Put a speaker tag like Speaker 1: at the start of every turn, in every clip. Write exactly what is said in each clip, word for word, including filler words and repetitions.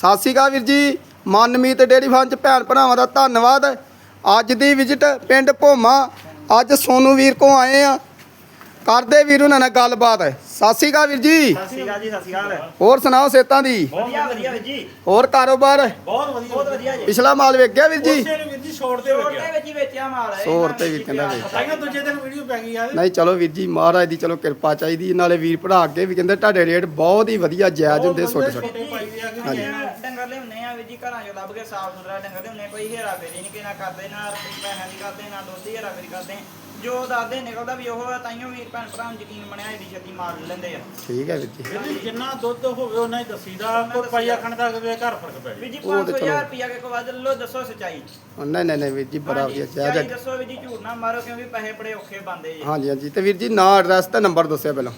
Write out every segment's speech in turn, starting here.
Speaker 1: ਸਤਿ ਸ਼੍ਰੀ ਅਕਾਲ ਵੀਰ ਜੀ। Manmeet dairy farm ਚ ਭੈਣ ਭਰਾਵਾਂ ਦਾ ਧੰਨਵਾਦ। ਅੱਜ ਦੀ ਵਿਜ਼ਿਟ ਪਿੰਡ ਭੋਮਾ। ਅੱਜ ਸੋਨੂ ਵੀਰ ਕੋ ਆਏ ਆ, ਕਰਦੇ ਵੀਰ ਉਹਨਾਂ ਨਾਲ ਗੱਲਬਾਤ। ਸਤਿ ਸ਼੍ਰੀ ਅਕਾਲ ਵੀਰ ਜੀ।
Speaker 2: ਸਤਿ ਸ਼੍ਰੀ ਅਕਾਲ ਜੀ। ਸਤਿ ਸ਼੍ਰੀ ਅਕਾਲ।
Speaker 1: ਹੋਰ ਸੁਣਾਓ ਸੇਤਾਂ ਦੀ?
Speaker 2: ਵਧੀਆ ਵਧੀਆ ਵੀਰ ਜੀ।
Speaker 1: ਹੋਰ ਕਾਰੋਬਾਰ?
Speaker 2: ਬਹੁਤ ਵਧੀਆ ਬਹੁਤ ਵਧੀਆ ਜੀ।
Speaker 1: ਪਿਛਲਾ ਮਾਲ ਵੇਚ ਗਿਆ ਵੀਰ ਜੀ?
Speaker 2: ਉਸੇ ਵੀਰ ਜੀ ਛੋੜ ਤੇ ਵੇਚ ਗਿਆ। ਵਿੱਚ ਹੀ ਵੇਚਿਆ ਮਾਲ ਹੈ।
Speaker 1: ਸੌ ਰੁਪਏ ਵੀਰ ਕਹਿੰਦਾ ਵੇਚ।
Speaker 2: ਤਾਈਓ ਦੂਜੇ ਦਿਨ ਵੀਡੀਓ ਪੈ ਗਈ ਯਾਰ।
Speaker 1: ਨਹੀਂ ਚਲੋ ਵੀਰ ਜੀ, ਮਹਾਰਾਜ ਦੀ ਚਲੋ ਕਿਰਪਾ ਚਾਹੀਦੀ। ਨਾਲੇ ਵੀਰ ਭਰਾ ਅੱਗੇ ਵੀ ਕਹਿੰਦੇ ਤੁਹਾਡੇ ਰੇਟ ਬਹੁਤ ਹੀ ਵਧੀਆ ਜਾਇਜ਼ ਹੁੰਦੇ ਛੋਟੇ ਛੋਟੇ।
Speaker 2: ਹਾਂਜੀ ਡੰਗਰ ਲਿਆਉਂਦੇ ਆ ਵੀਰ ਜੀ, ਘਰਾਂ ਚੋਂ ਲੱਭ ਕੇ ਸਾਫ ਸੁਥਰਾ ਡੰਗਰ ਲਿਆਉਂਦੇ। ਕੋਈ ਹੇਰਾ ਫੇਰੀ ਨਹੀਂ ਕਿਨਾ ਕਰਦੇ, ਨਾ ਪੈਸਿਆਂ ਦੀ ਕਰਦੇ, ਨਾ ਦੁੱਧ ਦੀ ਹੇਰਾ ਫੇਰੀ ਕਰਦੇ। ਜੋ ਦੱਸਦੇ ਨਿਕਲਦਾ ਵੀ ਉਹ ਤਾਈਓ ਵੀਰ ਭੈਣ ਭਰਾ ਨੂੰ ਯਕੀਨ ਬਣਿਆ ਏਡੀ ਛੇਤੀ ਮਾਰ ਲੈਂਦੇ ਆ।
Speaker 1: ਠੀਕ ਹੈ ਵੀਰ ਜੀ।
Speaker 3: ਜਿੰਨਾ ਦੁੱਧ ਹੋਵੇ ਉਹਨਾਂ ਹੀ ਦੱਸੀਦਾ। ਕੋਈ ਪਾਈ ਆਖਣ ਦਾ ਅਗਲੇ ਘਰ ਫਰਕ ਪੈ
Speaker 2: ਵੀਰ ਜੀ ਪੰਜ ਸੌ ਹਜ਼ਾਰ ਰੁਪਿਆ ਕੇ ਕੋ ਵੱਧ ਲੋ, ਦੱਸੋ ਸੱਚਾਈ।
Speaker 1: ਨਹੀਂ ਨਹੀਂ ਨਹੀਂ ਵੀਰ ਜੀ, ਬੜਾ ਵਧੀਆ ਜਾਇਜ਼।
Speaker 2: ਦੱਸੋ ਵੀਰ ਜੀ, ਝੂਠ ਨਾ ਮਾਰੋ ਕਿਉਂਕਿ ਪੈਸੇ ਬੜੇ ਔਖੇ ਬੰਦੇ ਜੀ।
Speaker 1: ਹਾਂਜੀ ਹਾਂਜੀ। ਤੇ ਵੀਰ ਜੀ ਨਾਂ ਐਡਰੈਸ ਤੇ ਨੰਬਰ ਦੱਸਿਓ ਪਹਿਲਾਂ।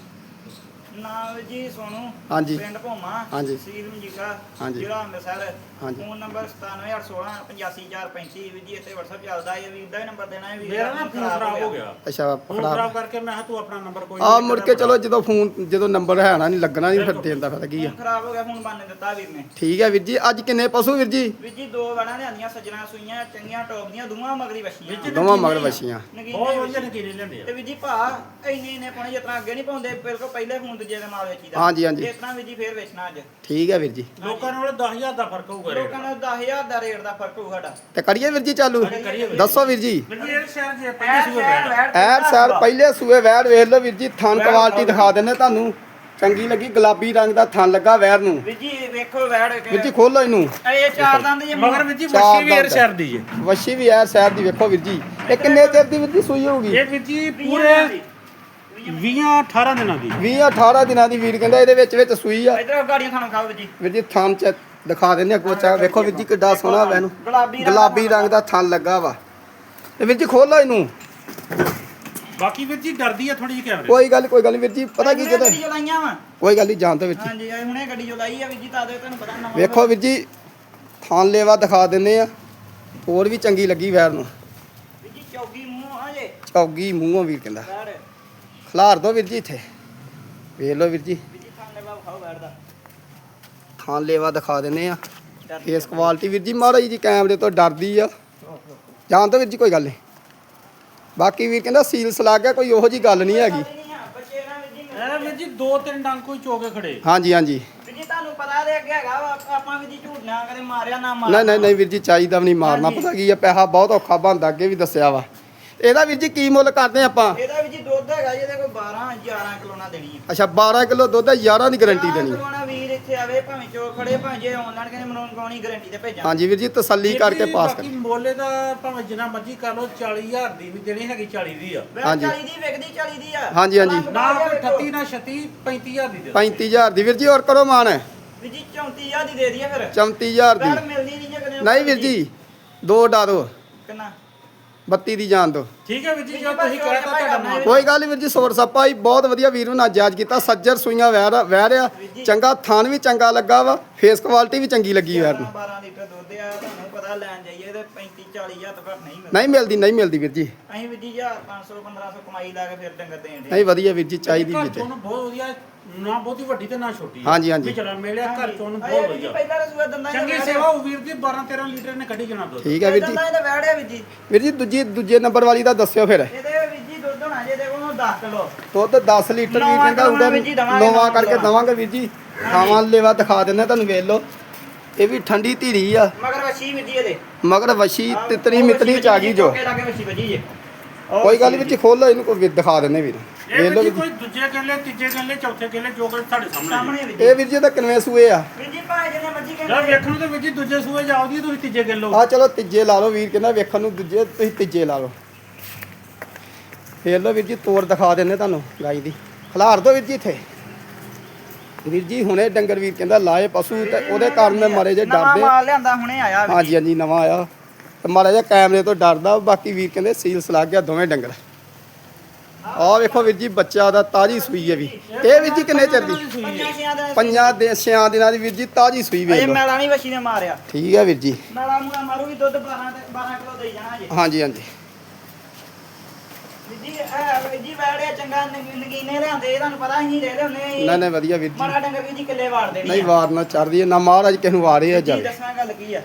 Speaker 2: ਨਾਮ ਜੀ ਸੋਨੂ,
Speaker 1: ਹਾਂਜੀ
Speaker 2: ਪਿੰਡ ਭੋਮਾ,
Speaker 1: ਹਾਂਜੀ
Speaker 2: ਤਹਿਸੀਲ ਮਜੀਠਾ,
Speaker 1: ਹਾਂਜੀ
Speaker 2: ਜ਼ਿਲ੍ਹਾ ਅੰਮ੍ਰਿਤਸਰ।
Speaker 1: ਹਾਂਜੀ
Speaker 2: ਫੋਨ ਨੰਬਰ ਸਤਾਨਵੇਂ ਅੱਠ ਸੋਲਾਂ ਪਚਾਸੀ ਚਾਰ ਪੈਂਤੀ। ਵੀਰ ਜੀ ਇੱਥੇ WhatsApp ਚੱਲਦਾ ਹੈ, ਵੀਰ ਦਾ ਹੀ ਨੰਬਰ ਦੇਣਾ ਹੈ। ਵੀਰ
Speaker 3: ਮੇਰਾ ਨਾ ਫੋਨ ਖਰਾਬ ਹੋ ਗਿਆ।
Speaker 1: ਅੱਛਾ
Speaker 3: ਫੋਨ ਖਰਾਬ ਕਰਕੇ ਮੈਂ ਕਿਹਾ ਤੂੰ ਆਪਣਾ ਨੰਬਰ ਕੋਈ
Speaker 1: ਆ ਮੁੜ ਕੇ ਚਲੋ ਜਦੋਂ ਫੋਨ ਜਦੋਂ ਨੰਬਰ ਹੈ ਨਾ ਨਹੀਂ ਲੱਗਣਾ ਨਹੀਂ ਫਿਰ ਦੇਣ ਦਾ ਫਾਇਦਾ ਕੀ ਆ।
Speaker 2: ਫੋਨ ਖਰਾਬ ਹੋ ਗਿਆ, ਫੋਨ ਬੰਨ ਦਿੱਤਾ ਵੀਰ ਨੇ।
Speaker 1: ਠੀਕ ਹੈ ਵੀਰ ਜੀ। ਅੱਜ ਕਿੰਨੇ ਪਸ਼ੂ ਵੀਰ ਜੀ?
Speaker 2: ਵੀਰ ਜੀ ਦੋ ਵੜਾਂ ਲਿਆਂਦੀਆਂ, ਸੱਜਣਾ ਸੂਈਆਂ ਚੰਗੀਆਂ ਟੌਪ ਦੀਆਂ, ਦੋਵਾਂ ਮਗਰੀ ਵਛੀਆਂ।
Speaker 1: ਦੋਵਾਂ ਮਗਰ ਵਛੀਆਂ
Speaker 3: ਬਹੁਤ ਵਧੀਆ ਨਕੀਲੇ ਲੈਂਦੇ ਆ।
Speaker 2: ਤੇ ਵੀਰ ਜੀ ਭਾ ਇੰਨੇ ਇੰਨੇ ਪਾਉਣੇ ਜਿਤਨਾ ਅੱਗੇ ਨਹੀਂ ਪਾਉਂਦੇ, ਬਿਲਕੁਲ ਪਹਿਲੇ ਫੋਨ ਦੂਜੇ ਦੇ ਮਾਲ ਵੇਚੀਦਾ।
Speaker 1: ਹਾਂਜੀ ਹਾਂਜੀ।
Speaker 2: ਇਤਨਾ ਵੀਰ ਜੀ ਫੇਰ ਵੇਚਣਾ ਅੱਜ।
Speaker 1: ਠੀਕ ਹੈ ਵੀਰ ਜੀ।
Speaker 3: ਲੋਕਾਂ ਨਾਲ ਦਸ ਹਜ਼ਾਰ ਦਾ ਫਰਕ ਹੋਊਗਾ।
Speaker 2: ਲੋਕਾਂ ਨੂੰ ਦਸ ਹਜ਼ਾਰ ਦਾ ਰੇਟ ਦਾ ਫਰਕ ਹੋਊ ਸਾਡਾ।
Speaker 1: ਤੇ ਕਰੀਏ ਵੀਰ ਜੀ ਚਾਲੂ? ਦੱਸੋ ਵੀਰ ਜੀ।
Speaker 3: ਇਹ ਸ਼ਹਿਰ ਜੇ ਪਹਿਲੇ ਸੂਏ ਬੈਠ
Speaker 1: ਐਰ ਸਰ ਪਹਿਲੇ ਸੂਏ ਵੈੜ ਵੇਖ ਲਓ ਵੀਰ ਜੀ। ਥਣ ਕੁਆਲਿਟੀ ਦਿਖਾ ਦਿੰਦੇ ਤੁਹਾਨੂੰ, ਚੰਗੀ ਲੱਗੀ। ਗੁਲਾਬੀ ਰੰਗ ਦਾ ਥਣ ਲੱਗਾ ਵੈੜ ਨੂੰ।
Speaker 2: ਵੀਰ ਜੀ ਵੇਖੋ ਵੈੜ
Speaker 1: ਵੀਰ ਜੀ ਖੋਲੋ ਇਹਨੂੰ।
Speaker 2: ਇਹ ਚਾਰ ਦੰਦ ਜੀ
Speaker 3: ਮਗਰ ਵੀਰ ਜੀ
Speaker 1: ਚਾਰ
Speaker 3: ਵੱਛੀ ਵੀ
Speaker 1: ਦੰਦ
Speaker 3: ਏਰ ਸ਼ਹਿਰ ਦੀ ਜੇ।
Speaker 1: ਵੱਛੀ ਵੀ ਐਰ ਸ਼ਹਿਰ ਦੀ। ਵੇਖੋ ਵੀਰ ਜੀ ਇਹ ਕਿੰਨੇ ਚਿਰ ਦੀ ਵੀਰ ਜੀ ਸੂਈ ਹੋਊਗੀ?
Speaker 3: ਇਹ ਵੀਰ ਜੀ ਪੂਰੇ ਵੀਹ ਅਠਾਰਾਂ ਦਿਨਾਂ ਦੀ।
Speaker 1: ਵੀਹ ਅਠਾਰਾਂ ਦਿਨਾਂ ਦੀ ਵੀਰ ਕਹਿੰਦਾ ਇਹਦੇ ਵਿੱਚ ਵਿੱਚ ਸੂਈ ਆ।
Speaker 2: ਇਧਰ ਗਾੜੀਆਂ ਖਾਣਾ ਖਾਓ ਵੀਰ ਜੀ।
Speaker 1: ਵੀਰ ਜੀ ਥਣ ਚ ਦਿਖਾ ਦਿੰਦੇ ਆ ਕੋਚਾ। ਵੇਖੋ ਵੀਰ ਜੀ ਕਿੱਡਾ ਸੋਹਣਾ ਵੈਨੂੰ ਗੁਲਾਬੀ ਰੰਗ ਦਾ ਥਣ ਲੱਗਾ ਵਾ। ਤੇ ਵੀਰ ਜੀ ਖੋਲੋ ਇਹਨੂੰ।
Speaker 3: ਬਾਕੀ ਵੀਰ ਜੀ ਡਰਦੀ ਆ ਥੋੜੀ ਜਿਹੀ ਕੈਮਰੇ।
Speaker 1: ਕੋਈ ਗੱਲ ਕੋਈ ਗੱਲ ਵੀਰ ਜੀ, ਪਤਾ ਕੀ ਕਿਤੇ
Speaker 2: ਗੱਡੀ ਜੋ ਲਾਈਆਂ ਵਾ।
Speaker 1: ਕੋਈ ਗੱਲ ਨਹੀਂ ਜਾਣਦੇ ਵੀਰ ਜੀ।
Speaker 2: ਹਾਂਜੀ ਇਹ ਹੁਣੇ ਗੱਡੀ ਜੋ ਲਾਈ ਆ ਵੀਰ ਜੀ, ਤਾਂ ਦੇ ਤੁਹਾਨੂੰ ਪਤਾ ਨਾ।
Speaker 1: ਵੇਖੋ ਵੀਰ ਜੀ ਥਣ ਲੇਵਾ ਦਿਖਾ ਦਿੰਦੇ ਆ। ਹੋਰ ਵੀ ਚੰਗੀ ਲੱਗੀ ਵੈਰ ਨੂੰ।
Speaker 2: ਵੀਰ ਜੀ ਚੌਗੀ ਮੂੰਹ ਆ ਜੇ
Speaker 1: ਚੌਗੀ ਮੂੰਹੋਂ ਵੀਰ ਕਹਿੰਦਾ।
Speaker 2: ਵੈੜ
Speaker 1: ਖਲਾਰ ਦੋ ਵੀਰ ਜੀ ਇੱਥੇ। ਵੇਖ ਲਓ ਵੀਰ ਜੀ
Speaker 2: ਵੀਰ ਜੀ ਥਾਂ ਲੈਵਾ ਖਾਓ ਵੈੜ ਦਾ।
Speaker 1: ਥਣ ਲੇਵਾ ਦਿਖਾ ਦਿੰਦੇ ਆ। ਫੇਸ ਕੁਆਲਿਟੀ ਵੀਰ ਜੀ ਮਹਾਰਾਜ ਜੀ ਕੈਮਰੇ ਤੋਂ ਡਰਦੀ ਆ। ਜਾਣ ਦੋ ਵੀਰ ਜੀ, ਕੋਈ ਗੱਲ ਨਹੀਂ। ਬਾਕੀ ਵੀਰ ਕਹਿੰਦਾ ਸੀਲ ਸਲਾ ਗਿਆ, ਕੋਈ ਉਹੋ ਜੀ ਗੱਲ ਨਹੀਂ ਹੈਗੀ।
Speaker 2: ਬੱਚੇ ਨਾ ਵੀਰ ਜੀ
Speaker 3: ਇਹ ਵੀਰ ਜੀ ਦੋ ਤਿੰਨ ਡੰਗ ਕੋਈ ਚੋਕੇ ਖੜੇ।
Speaker 1: ਹਾਂਜੀ ਹਾਂਜੀ।
Speaker 2: ਵੀਰ ਜੀ ਤੁਹਾਨੂੰ ਪਤਾ ਦੇ ਅੱਗੇ ਹੈਗਾ ਵਾ, ਆਪਾਂ ਵੀਰ ਜੀ ਝੂਠ ਨਾ ਕਦੇ ਮਾਰਿਆ ਨਾ ਮਾਰ।
Speaker 1: ਨਹੀਂ ਨਹੀਂ ਨਹੀਂ ਵੀਰ ਜੀ, ਚਾਹੀਦਾ ਵੀ ਨਹੀਂ ਮਾਰਨਾ। ਪਤਾ ਕੀ ਆ, ਪੈਸਾ ਬਹੁਤ ਔਖਾ ਬਣਦਾ, ਅੱਗੇ ਵੀ ਦੱਸਿਆ ਵਾ। ਇਹਦਾ ਵੀਰ ਜੀ ਕੀ ਮੁੱਲ ਕਰਦੇ ਆਪਾਂ?
Speaker 2: ਇਹਦਾ ਵੀਰ ਜੀ ਦੁੱਧ ਹੈਗਾ ਜਿਹਦੇ ਕੋਈ ਬਾਰਾਂ ਗਿਆਰਾਂ ਕਿਲੋ ਨਾ ਦੇਣੀ ਆ।
Speaker 1: ਅੱਛਾ ਬਾਰਾਂ ਕਿਲੋ ਦੁੱਧ ਹੈ, ਗਿਆਰਾਂ ਦੀ ਗਾਰੰਟੀ ਦੇਣੀ।
Speaker 2: ਕਰਵਾਉਣਾ ਵੀਰ ਇੱਥੇ ਆਵੇ, ਭਾਵੇਂ ਚੋ ਖੜੇ, ਭਾਵੇਂ ਜੇ ਆਨਲਾਈਨ ਕਹਿੰਦੇ ਮੰਗਾਉਣੀ ਗਾਰੰਟੀ ਤੇ ਭੇਜਾਂ।
Speaker 1: ਹਾਂਜੀ ਵੀਰ ਜੀ ਤਸੱਲੀ ਕਰਕੇ ਪਾਸ ਕਰ।
Speaker 3: ਬਾਕੀ ਮੋਲੇ ਦਾ ਭਾਵੇਂ ਜਿੰਨਾ ਮਰਜ਼ੀ ਕਰ ਲਓ, ਚਾਲੀ ਹਜ਼ਾਰ ਦੀ ਵੀ ਦੇਣੀ ਹੈਗੀ, ਚਾਲੀ ਦੀ ਆ।
Speaker 1: ਹਾਂਜੀ।
Speaker 2: ਚਾਲੀ ਦੀ ਵਿਕਦੀ ਚਾਲੀ ਦੀ ਆ।
Speaker 1: ਹਾਂਜੀ ਹਾਂਜੀ।
Speaker 3: ਨਾ ਕੋਈ ਅਠੱਤੀ ਨਾ ਛੱਤੀ, ਪੈਂਤੀ ਹਜ਼ਾਰ ਦੀ ਦੇ ਦਿਓ।
Speaker 1: ਪੈਂਤੀ ਹਜ਼ਾਰ ਦੀ ਵੀਰ ਜੀ। ਹੋਰ ਕਰੋ ਮਾਨ।
Speaker 2: ਵੀਰ ਜੀ ਚੌਂਤੀ ਹਜ਼ਾਰ ਦੀ ਦੇ ਦਈਏ ਫਿਰ।
Speaker 1: ਚੌਂਤੀ ਹਜ਼ਾਰ ਦੀ
Speaker 2: ਵੈੜ ਮਿਲਦੀ ਨਹੀਂ ਜੇ ਕਦੇ।
Speaker 1: ਨਹੀਂ ਵੀਰ ਜੀ, ਦੋ ਡਾ ਦੋ।
Speaker 2: ਕਿੰਨਾ?
Speaker 1: ਬੱਤੀ ਦੀ ਜਾਣ ਦੋ।
Speaker 3: ਠੀਕ ਹੈ ਵੀਰ ਜੀ, ਜੋ ਤੁਸੀਂ ਕਹਿਤਾ ਤੁਹਾਡਾ ਮਾਲ।
Speaker 1: ਕੋਈ ਗੱਲ ਨਹੀਂ ਵੀਰ ਜੀ, ਸੋਰ ਸੱਪਾ ਹੀ ਬਹੁਤ ਵਧੀਆ ਵੀਰ ਨੂੰ ਨਾਜਾਇਜ਼ ਕੀਤਾ। ਸੱਜਰ ਸੂਈਆਂ ਵੈਰ ਵਹਿ ਰਿਆ ਚੰਗਾ, ਥਣ ਵੀ ਚੰਗਾ ਲੱਗਾ ਵਾ। ਫੇਸ ਕੁਆਲਿਟੀ ਵੀ ਚੰਗੀ ਲੱਗੀ ਵੈਰ ਨੂੰ।
Speaker 2: ਬਾਰਾਂ ਲੀਟਰ ਦੁੱਧ ਆ, ਤੁਹਾਨੂੰ ਪਤਾ ਲੈਣ ਜਾਈਏ ਤੇ ਪੈਂਤੀ ਚਾਲੀ ਹਜ਼ਾਰ ਤੋਂ ਘੱਟ ਨਹੀਂ ਮਿਲਦਾ।
Speaker 1: ਨਹੀਂ ਮਿਲਦੀ ਨਹੀਂ ਮਿਲਦੀ ਵੀਰ ਜੀ।
Speaker 2: ਅਸੀਂ ਵੀਰ ਜੀ ਹਜ਼ਾਰ ਪੰਜ ਸੌ ਪੰਦਰਾਂ ਸੌ ਕਮਾਈ ਲਾ ਕੇ ਫਿਰ ਡੰਗਰ ਦੇਣ ਦੇ।
Speaker 1: ਨਹੀਂ ਵਧੀਆ ਵੀਰ ਜੀ, ਚਾਹੀਦੀ
Speaker 3: ਘਰ
Speaker 1: ਜੀ।
Speaker 3: ਚੋਂ ਨੂੰ ਬਹੁਤ ਵਧੀਆ, ਨਾ ਬਹੁਤੀ ਵੱਡੀ ਤੇ ਨਾ ਛੋਟੀ।
Speaker 1: ਹਾਂਜੀ, ਹਾਂਜੀ।
Speaker 3: ਵੀ ਚਲਾ ਮਿਲਿਆ ਘਰ ਚੋਂ ਨੂੰ ਬਹੁਤ ਵਧੀਆ।
Speaker 2: ਪਹਿਲਾਂ ਰਸੂਆ ਦੰਦਾਂ
Speaker 3: ਚੰਗੀ ਸੇਵਾ ਉਹ ਵੀਰ ਦੀ ਬਾਰਾਂ ਤੇਰਾਂ ਲੀਟਰ ਨੇ ਕੱਢੀ ਜਾਣਾ ਦੁੱਧ।
Speaker 1: ਠੀਕ ਹੈ ਵੀਰ ਜੀ।
Speaker 2: ਦੰਦਾਂ ਇਹਦਾ ਵੈੜਿਆ ਵੀਰ ਜੀ।
Speaker 1: ਵੀਰ ਜੀ ਦੂਜੀ ਦੂਜੇ ਨੰਬਰ ਵਾਲੀ ਦਾ ਦੱਸਿਓ ਫਿਰ।
Speaker 2: ਇਹਦੇ ਵੀਰ ਜੀ ਦੁੱਧ ਹੋਣਾ ਜੇ ਦੇਖੋ ਦਸ ਕਿਲੋ।
Speaker 1: ਦੁੱਧ ਦਸ ਲੀਟਰ ਵੀਰ ਕਹਿੰਦਾ ਉਹਦਾ ਨੋਵਾ ਕਰਕੇ ਦਵਾਂਗੇ ਵੀਰ ਜੀ। ਖਾਵਾਂ ਲੇਵਾ ਦਿਖਾ ਦਿੰਦੇ ਤੁਹਾਨੂੰ, ਵੇਖ ਲਓ। ਇਹ ਵੀ ਠੰਡੀ ਧੀਰੀ ਆ।
Speaker 2: ਮਗਰ ਵਛੀ ਵੀਰ ਜੀ ਇਹਦੇ।
Speaker 1: ਮਗਰ ਵਛੀ ਤਿਤਰੀ ਮਿਤਰੀ ਚ ਆ ਗਈ ਜੋ।
Speaker 2: ਲਾ ਕੇ ਵਛੀ ਵੱਜੀ ਜੇ।
Speaker 1: ਕੋਈ ਗੱਲ ਵੀਰ ਜੀ, ਖੋਲੋ ਇਹਨੂੰ, ਕੋਈ ਦਿਖਾ ਦਿੰਦੇ ਵੀਰ।
Speaker 3: ਇਹ
Speaker 1: ਵੇਖ ਲਓ
Speaker 3: ਵੀਰ ਜੀ
Speaker 1: ਵੀਰ
Speaker 3: ਕੋਈ ਦੂਜੇ ਕਿੱਲੇ, ਤੀਜੇ ਕਿੱਲੇ, ਚੌਥੇ ਕਿੱਲੇ ਜੋ ਕਿ ਤੁਹਾਡੇ ਸਾਹਮਣੇ
Speaker 2: ਸਾਹਮਣੇ ਵੀਰ
Speaker 1: ਜੀ। ਇਹ ਵੀਰ ਜੀ ਦਾ ਕਿੰਨੇ ਸੂਏ ਆ?
Speaker 2: ਵੀਰ ਜੀ ਭਾਵੇਂ ਜਿਹਨੇ ਮਰਜ਼ੀ
Speaker 3: ਯਾਰ
Speaker 2: ਕਹਿੰਦੇ।
Speaker 3: ਵੇਖਣ ਨੂੰ ਤੇ ਵੀਰ ਜੀ ਦੂਜੇ ਸੂਏ ਜਾਓਦੀ, ਤੁਸੀਂ ਤੀਜੇ ਕਿੱਲੋ।
Speaker 1: ਆ ਚਲੋ ਤੀਜੇ ਲਾ ਲਓ ਵੀਰ ਕਹਿੰਦਾ, ਵੇਖਣ ਨੂੰ ਦੂਜੇ, ਤੁਸੀਂ ਤੀਜੇ ਲਾ ਲਓ। ਵੇਖ ਲਓ ਵੀਰ ਜੀ, ਤੋਰ ਦਿਖਾ ਦਿੰਦੇ ਤੁਹਾਨੂੰ ਗਾਈ ਦੀ। ਖਿਲਾਰ ਦੋ ਵੀਰ ਜੀ ਇੱਥੇ। ਵੀਰ ਜੀ ਹੁਣੇ ਡੰਗਰ ਵੀਰ ਕਹਿੰਦਾ ਲਾਏ ਪਸ਼ੂ, ਤੇ ਉਹਦੇ ਕਾਰਨ ਮੈਂ ਮਾਰੇ ਜੇ
Speaker 2: ਨਵਾਂ
Speaker 1: ਡਰਦੇ।
Speaker 2: ਮਾਲ ਲਿਆਂਦਾ ਹੁਣੇ ਆਇਆ ਵੀਰ
Speaker 1: ਹਾਂਜੀ ਹਾਂਜੀ ਨਵਾਂ ਆਇਆ, ਤੇ ਮਾੜਾ ਜਿਹਾ ਕੈਮਰੇ ਤੋਂ ਡਰਦਾ। ਬਾਕੀ ਵੀਰ ਕਹਿੰਦੇ ਸੀਲ ਸਲਾਗ ਗਿਆ ਦੋਵੇਂ ਡੰਗਰ। ਆਹ ਵੇਖੋ ਵੀਰ ਜੀ, ਬੱਚਾ ਦਾ ਤਾਜੀ ਸੂਈ ਹੈ ਵੀ। ਇਹ ਵੀਰ ਜੀ ਕਿੰਨੇ ਚਿਰ ਦੀ?
Speaker 2: ਪੰਜਾਂ ਛਿਆਂ ਦੇ
Speaker 1: ਪੰਜਾਂ ਦੇ ਛਿਆਂ ਦਿਨਾਂ ਦੀ ਵੀਰ ਜੀ, ਤਾਜੀ ਸੂਈ ਵੇਖ
Speaker 2: ਇਹ
Speaker 1: ਲਓ।
Speaker 2: ਮੈਲਾ ਨਹੀਂ ਵਛੀ ਨੇ ਮਾਰਿਆ।
Speaker 1: ਠੀਕ ਹੈ ਵੀਰ ਜੀ।
Speaker 2: ਮੈਲਾ ਮੂਲਾ ਮਾਰੂਗੀ ਦੁੱਧ ਬਾਰਾਂ ਤੇ ਬਾਰਾਂ ਕਿਲੋ ਦੇਈ ਜਾਣਾ ਜੇ।
Speaker 1: ਹਾਂਜੀ ਹਾਂਜੀ।
Speaker 2: ਵੀਰ ਜੀ ਇਹ ਵੀਰ ਜੀ ਵੈੜਿਆ ਚੰਗਾ ਨਗੀ- ਨਗੀਨੇ ਲਿਆਂਦੇ ਤੁਹਾਨੂੰ ਪਤਾ ਅਸੀਂ ਦੇ ਦੇ ਹੁੰਨੇ
Speaker 1: ਨਹੀਂ ਨਹੀਂ ਵਧੀਆ ਵੀਰ ਜੀ
Speaker 2: ਮਾੜਾ ਡੰਗਰ ਵੀਰ ਜੀ ਕਿੱਲੇ ਵਾੜ ਦੇਣੀ
Speaker 1: ਨਹੀਂ ਵਾਰ ਨਾ ਚੜਦੀ ਹੈ ਨਾ ਮਹਾਰਾਜ ਕਿਸੇ ਨੂੰ ਵਾਰੇ ਆ
Speaker 2: ਜੀ
Speaker 1: ਜਾਵੇ
Speaker 2: ਦੱਸਾਂ ਗੱਲ ਕੀ ਆ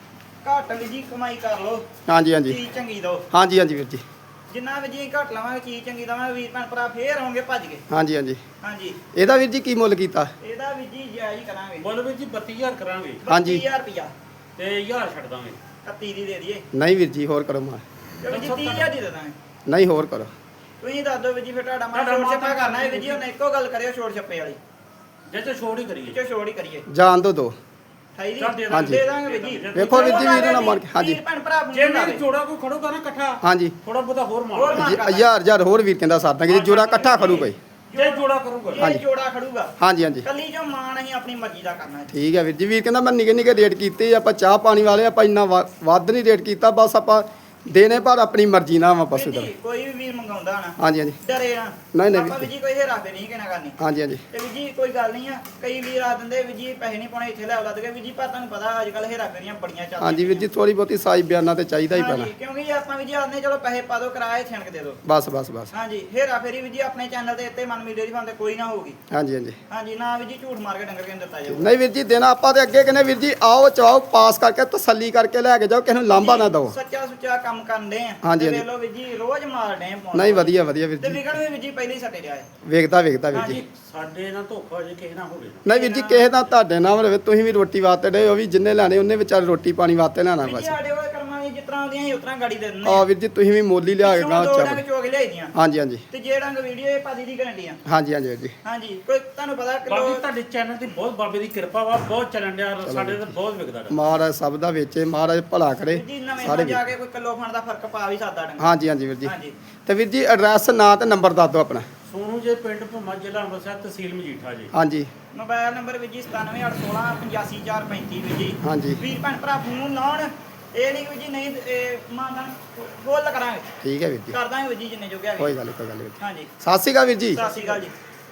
Speaker 2: ਘੱਟ ਵੀਰ ਜੀ ਕਮਾਈ ਕਰ ਲੋ
Speaker 1: ਹਾਂਜੀ ਹਾਂਜੀ
Speaker 2: ਚੀਜ਼ ਚੰਗੀ ਦੋ
Speaker 1: ਹਾਂਜੀ ਹਾਂਜੀ ਵੀਰ ਜੀ
Speaker 2: ਜਿੰਨਾ ਵੀ ਜੀ ਘੱਟ ਲਵਾਂਗੇ ਚੀਜ਼ ਚੰਗੀ ਦਵਾਂਗੇ ਵੀਰ ਭੈਣ ਭਰਾ ਫੇਰ ਆਉਂਗੇ ਭੱਜ ਕੇ
Speaker 1: ਹਾਂਜੀ ਹਾਂਜੀ
Speaker 2: ਹਾਂਜੀ
Speaker 1: ਇਹਦਾ ਵੀਰ ਜੀ ਕੀ ਮੁੱਲ ਕੀਤਾ
Speaker 2: ਇਹਦਾ ਵੀਰ ਜੀ ਜਾਇਜ਼ ਹੀ ਕਰਾਂਗੇ
Speaker 3: ਬੋਲ ਵੀਰ ਜੀ ਬੱਤੀ ਹਜ਼ਾਰ ਕਰਾਂਗੇ
Speaker 1: ਹਾਂਜੀ।
Speaker 2: ਬੱਤੀ ਹਜ਼ਾਰ ਰੁਪਿਆ
Speaker 3: ਤੇ ਹਜ਼ਾਰ ਛੱਡ ਦਾਂਗੇ
Speaker 2: ਇਕੱਤੀ ਦੀ ਦੇ ਦਈਏ
Speaker 1: ਨਹੀਂ ਵੀਰ ਜੀ ਹੋਰ ਕਰੋ ਮਾਰ
Speaker 2: ਚਲੋ ਜੀ ਤੀਹ ਹਜ਼ਾਰ ਦੀ ਦੇ ਦਾਂਗੇ
Speaker 1: ਨਹੀਂ ਹੋਰ ਕਰੋ
Speaker 2: ਤੁਸੀਂ ਦੱਸ ਦਿਓ ਵੀਰ ਜੀ ਫਿਰ ਤੁਹਾਡਾ ਮਨ
Speaker 3: ਤੁਹਾਡਾ
Speaker 2: ਛੋੜ ਛੱਪਾ
Speaker 3: ਮਨ
Speaker 2: ਕਰਨਾ ਹੈ ਵੀਰ ਜੀ ਹੁਣ ਇੱਕੋ ਗੱਲ ਕਰਿਓ ਛੋੜ ਛੱਪੇ ਵਾਲੀ
Speaker 3: ਜੇ ਤੇ ਛੋੜ ਹੀ ਕਰੀਏ
Speaker 2: ਚੋ ਛੋੜ ਹੀ ਕਰੀਏ
Speaker 1: ਜਾਣ ਦੋ ਦੋ
Speaker 2: ਅਠਾਈ ਦੀ
Speaker 3: ਚੱਲ ਦੇ
Speaker 1: ਦਾਂਗੇ।
Speaker 2: ਦੇ ਦਾਂਗੇ ਵੀਰ ਜੀ
Speaker 1: ਵੇਖੋ ਵੀਰ ਜੀ ਵੀਰ ਨਾਲ ਮਾਰ ਕੇ ਹਾਂਜੀ
Speaker 2: ਵੀਰ ਭੈਣ ਭਰਾ
Speaker 3: ਜੇ ਮੇਰੇ ਜੋੜਾ ਕੋਈ ਖੜੂਗਾ ਨਾ ਇਕੱਠਾ
Speaker 1: ਹਾਂਜੀ
Speaker 3: ਥੋੜਾ ਬਹੁਤਾ ਹੋਰ
Speaker 2: ਹੋਰ
Speaker 3: ਮਾਰ
Speaker 2: ਮਾਰ।
Speaker 1: ਹਜ਼ਾਰ ਹਜ਼ਾਰ ਹੋਰ ਵੀਰ ਕਹਿੰਦਾ ਸਾਡਾ ਕਿ ਜੋੜਾ ਇਕੱਠਾ ਖੜੂ ਕੋਈ
Speaker 3: ਜੇ ਜੋੜਾ ਕਰੂਗਾ
Speaker 2: ਇਹ
Speaker 1: ਹਾਂਜੀ।
Speaker 2: ਜੋੜਾ ਖੜੂਗਾ
Speaker 1: ਹਾਂਜੀ ਹਾਂਜੀ
Speaker 2: ਕੱਲੀ ਜੋ ਮਾਨ ਅਸੀਂ ਆਪਣੀ ਮਰਜ਼ੀ ਦਾ ਕਰਨਾ ਹੈ
Speaker 1: ਠੀਕ ਹੈ ਵੀਰ ਜੀ ਵੀਰ ਕਹਿੰਦਾ ਮੈਂ ਨਿੱਕੇ ਨਿੱਕੇ ਰੇਟ ਕੀਤੇ ਆਪਾਂ ਚਾਹ ਪਾਣੀ ਵਾਲੇ ਆਪਾਂ ਇੰਨਾ ਵਾ- ਵੱਧ ਨਹੀਂ ਰੇਟ ਕੀਤਾ ਬਸ ਆਪਾਂ ਦੇਣੇ ਪਰ ਆਪਣੀ ਮਰਜ਼ੀ ਨਾਲ ਵਾ ਪਸ਼ੂ
Speaker 2: ਵੀਰ
Speaker 1: ਦਾ
Speaker 2: ਜੀ ਕੋਈ ਵੀ ਵੀਰ ਮੰਗਾਉਂਦਾ ਨਾ
Speaker 1: ਹਾਂਜੀ ਹਾਂਜੀ
Speaker 2: ਡਰੇ ਨਾ
Speaker 1: ਨਹੀਂ, ਨਹੀਂ
Speaker 2: ਆਪਾਂ
Speaker 1: ਵੀਰ
Speaker 2: ਵੀ ਜੀ ਕੋਈ ਹੇਰਾ ਫੇਰੀ ਨਹੀਂ ਕਹਿਣਾ ਕਰਨੀ
Speaker 1: ਹਾਂਜੀ ਹਾਂਜੀ
Speaker 2: ਤੇ ਵੀ ਜੀ ਕੋਈ ਗੱਲ ਨਹੀਂ ਆ ਕਈ ਵੀਰ ਆ ਦਿੰਦੇ ਵੀ ਜੀ ਪੈਸੇ ਨਹੀਂ ਪਾਉਣੇ ਇੱਥੇ ਲੈ ਆਉਂਦਾ ਤੇ ਵੀ ਜੀ ਪਰ ਤੁਹਾਨੂੰ ਪਤਾ ਅੱਜ ਕੱਲ ਹੇਰਾ ਫੇਰੀਆਂ ਬੜੀਆਂ ਚੱਲਦੀਆਂ
Speaker 1: ਹਾਂਜੀ ਵੀਰ ਜੀ ਥੋੜੀ ਬਹੁਤੀ ਸਾਈ ਬਿਆਨਾਂ ਤੇ ਚਾਹੀਦਾ ਹੀ ਪੈਣਾ
Speaker 2: ਹਾਂਜੀ, ਕਿਉਂਕਿ ਜੀ ਆਪਾਂ ਵੀ ਜੀ ਆਉਂਦੇ ਚਲੋ ਪੈਸੇ ਪਾ ਦਿਓ ਕਿਰਾਏ ਛਿਣਕ ਦੇ ਦਿਓ
Speaker 1: ਬਸ ਬਸ ਬਸ
Speaker 2: ਹਾਂਜੀ ਹੇਰਾ ਫੇਰੀ ਵੀ ਜੀ ਆਪਣੇ ਚੈਨਲ ਦੇ ਉੱਤੇ ਮਨ ਮੀਡੀਆ ਦੀ ਫਾਂ ਤੇ ਕੋਈ ਨਾ ਹੋਊਗੀ
Speaker 1: ਹਾਂਜੀ ਹਾਂਜੀ
Speaker 2: ਹਾਂਜੀ ਨਾ ਵੀ ਜੀ ਝੂਠ ਮਾਰ ਕੇ ਡੰਗਰ ਕਿਨ ਦਿੱਤਾ ਜਾਊਗਾ
Speaker 1: ਨਹੀਂ ਵੀਰ ਜੀ ਦੇਣਾ ਆਪਾਂ ਤੇ ਅੱਗੇ ਕਹਿੰਦੇ ਵੀਰ ਜੀ ਆਓ ਚਵਾਓ ਪਾਸ ਕਰਕੇ ਤਸੱਲੀ ਕਰਕੇ ਲੈ ਕੇ ਜਾਓ ਕਿਸੇ ਨੂੰ ਲਾਂਭਾ ਨਾ ਦਿਓ
Speaker 2: ਸੱਚਾ ਸੁੱਚਾ ਕੰਮ ਕਰਦੇ ਆ
Speaker 1: ਹਾਂਜੀ,
Speaker 2: ਤੇ
Speaker 1: ਹਾਂਜੀ।
Speaker 2: ਵੇਖ ਲਓ ਵੀ ਜੀ ਰੋਜ਼ ਮਾਰਦੇ ਆ ਪਾਉਣ
Speaker 1: ਨਹੀਂ ਵਧੀਆ ਵਧੀਆ ਵੀਰ
Speaker 2: ਤੇ
Speaker 1: ਜੀ
Speaker 2: ਵਿਕਣ ਵੀ ਵੀ ਜੀ ਪਹਿਲੇ ਹੀ ਸੱਟੇ ਰਿਹਾ ਹੈ
Speaker 1: ਵੇਖਦਾ ਵੇਖਦਾ ਵੀਰ ਜੀ
Speaker 2: ਹਾਂਜੀ।
Speaker 3: ਸਾਡੇ ਨਾਲ ਧੋਖਾ ਜੇ ਕਿਸੇ ਨਾਲ ਹੋਵੇ
Speaker 1: ਨਹੀਂ ਵੀਰ ਜੀ ਕਿਸੇ ਦਾ ਤੁਹਾਡੇ ਨਾਲ ਰਵੇ ਤੁਸੀਂ ਵੀ ਰੋਟੀ ਵਾਸਤੇ ਡੇ ਉਹ ਵੀ ਜਿੰਨੇ ਲੈਣੇ ਉਹਨੇ ਵਿਚਾਰੇ ਰੋਟੀ ਪਾਣੀ ਵਾਸਤੇ ਲੈਣਾ
Speaker 2: ਵੀ ਜੀ
Speaker 1: ਬਸ
Speaker 2: ਸਾਡੇ ਉਹ ਕਰਮਾਂ ਦੀ ਜਿਸ ਤਰ੍ਹਾਂ ਆਉਂਦੀਆਂ ਸੀ ਉਸ ਤਰ੍ਹਾਂ ਗਾੜੀ ਦੇ ਦਿੰਦੇ
Speaker 1: ਆ ਵੀਰ ਜੀ ਤੁਸੀਂ ਵੀ ਮੋਲੀ ਲਿਆ ਕੇ ਗਾਂ
Speaker 2: ਦੋ
Speaker 1: ਚੱਲ
Speaker 2: ਡੰਗ ਚੋਗ ਲਿਆਈ ਦੀਆਂ
Speaker 1: ਹਾਂਜੀ ਹਾਂਜੀ
Speaker 2: ਤੇ ਜੇ ਡੰਗ ਵੀਡੀਓ ਇਹ ਪਾਦੀ ਦੀ ਗਰੰਟੀ ਆ
Speaker 1: ਹਾਂਜੀ ਹਾਂਜੀ ਵੀਰ ਜੀ
Speaker 2: ਹਾਂਜੀ ਕੋਈ ਤੁਹਾਨੂੰ ਪਤਾ
Speaker 3: ਬਾਕੀ
Speaker 2: ਕਿਲੋ
Speaker 3: ਤੁਹਾਡੇ ਚੈਨਲ ਦੀ ਬਹੁਤ ਬਾਬੇ ਦੀ ਕਿਰਪਾ ਵਾ ਬਹੁਤ ਚੱਲਣ ਡਿਆ ਸਾਡੇ ਤੇ ਬਹੁਤ ਵਿਕਦਾ ਵਾ।
Speaker 1: ਮਹਾਰਾਜ ਸਭ ਦਾ ਵੇਚੇ ਮਹਾਰਾਜ ਭਲਾ ਕਰੇ
Speaker 2: ਜੀ ਨਵੇਂ
Speaker 1: ਸਾਰੇ
Speaker 2: ਤੋਂ
Speaker 1: ਵੀਰ।
Speaker 2: ਜਾ ਕੇ ਕੋਈ ਕਿਲੋ ਖਾਣ ਦਾ ਫਰਕ ਪਾ ਵੀ ਸਕਦਾ ਡੰਗ
Speaker 1: ਹਾਂਜੀ ਹਾਂਜੀ ਵੀਰ ਜੀ
Speaker 2: ਹਾਂਜੀ
Speaker 1: ਤੇ ਵੀਰ ਜੀ ਐਡਰੈਸ ਨਾਂ ਤੇ ਨੰਬਰ ਦੱਸ ਦਿਓ ਆਪਣਾ
Speaker 3: ਸੋਨੂ ਜੇ ਪਿੰਡ ਭੁਮਾ ਜ਼ਿਲ੍ਹਾ ਅੰਮ੍ਰਿਤਸਰ ਤਹਿਸੀਲ ਮਜੀਠਾ ਜੀ
Speaker 1: ਹਾਂਜੀ
Speaker 2: ਮੋਬਾਈਲ ਨੰਬਰ ਵੀ ਜੀ ਸਤਾਨਵੇਂ ਅੱਠ ਸੌ ਸੋਲਾਂ ਪਚਾਸੀ ਚਾਰ ਪੈਂਤੀ ਵੀ ਜੀ
Speaker 1: ਹਾਂਜੀ
Speaker 2: ਵੀਰ ਭੈਣ ਭਰਾ ਫੋਨ ਲਾਉਣ ਇਹ ਨਹੀਂ ਵੀ ਜੀ ਨਹੀਂ ਇਹ ਮਾਨਦਾਨ ਫੁੱਲ ਕਰਾਂਗੇ
Speaker 1: ਠੀਕ ਹੈ ਵੀਰ ਜੀ
Speaker 2: ਕਰ ਦਾਂਗੇ ਵੀ ਜੀ ਜਿੰਨੇ ਜੋਗੇ ਹੈਗੇ
Speaker 1: ਕੋਈ ਗੱਲ ਨੀ, ਕੋਈ ਗੱਲ ਨੀ ਵੀਰ ਜੀ
Speaker 2: ਹਾਂਜੀ
Speaker 1: ਸਤਿ ਸ਼੍ਰੀ ਅਕਾਲ ਵੀਰ ਜੀ
Speaker 2: ਸਤਿ ਸ਼੍ਰੀ ਅਕਾਲ ਜੀ